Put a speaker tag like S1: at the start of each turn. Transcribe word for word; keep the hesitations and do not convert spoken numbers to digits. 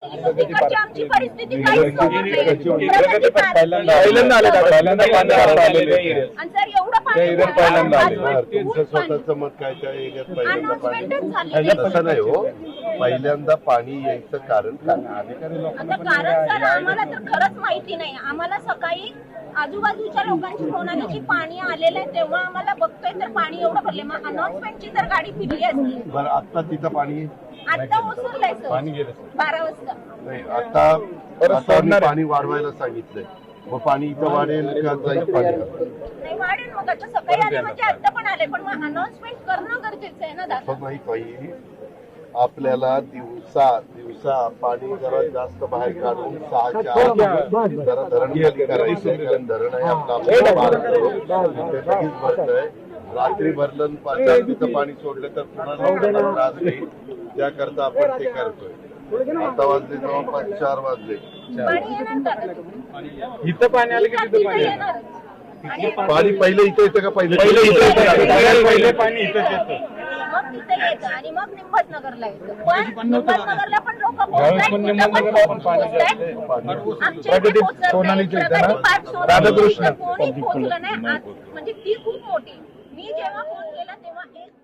S1: तिकडची आमची परिस्थिती काहीच सोबत नाही.
S2: पहिल्यांदा आले पहिल्यांदा पाणी आलेले
S1: आणि सर एवढं पाणी
S3: पहिल्यांदा आले त्यांचं स्वतःचं मत काय त्या एरियात पहिल्यांदा पाणी तसं नाही हो. पहिल्यांदा पाणी यायचं कारण काय?
S1: आता कारण सर आम्हाला तर खरंच माहिती नाही. आम्हाला सकाळी आजूबाजूच्या लोकांची फोन आली की पाणी आलेलं आहे, तेव्हा आम्हाला बघतोय तर पाणी एवढं भरले. मग अनाउन्समेंटची तर गाडी फिरली असती.
S3: बरं आता तिथं पाणी
S1: आता ओसरलंय सर बारा वाजता.
S3: नाही आता आता मी पाणी वाढवायला सांगितलंय. मग पाणी इथं वाढेल का जाईल पाणी?
S1: नाही वाढेल. मग आता सकाळी आले म्हणजे आता पण आले, पण मग अनाउन्समेंट करणं गरजेचं आहे ना दादा.
S3: नाही पाहिजे आपल्याला दिवसा दिवसा पाणी जरा जास्त बाहेर काढून सहाच्या आत जरा धरण खाली करायचं. कारण धरण आहे आपलं भरतंय. रात्री भरलं पाच तिथं पाणी सोडलं तर पुन्हा लोकांना त्रास होईल. त्याकरता आपण ते करतोय. आता वाजले जवळपास चार वाजले.
S1: पाणी येणार दादा.
S2: इथं पाणी आलं की तिथं पाणी
S1: येणार.
S3: पाणी पहिले इथं येतं का पहिले
S2: पहिले इथं येतं. पहिले पाणी इथंच येतं.
S1: मग तिथे येतं आणि मग निंबतनगरला येतं. पण निंबतनगरला पण लोक राधाकृष्ण कोणी पोहोचलं नाही. म्हणजे ती खूप मोठी. मी जेव्हा फोन केला तेव्हा एक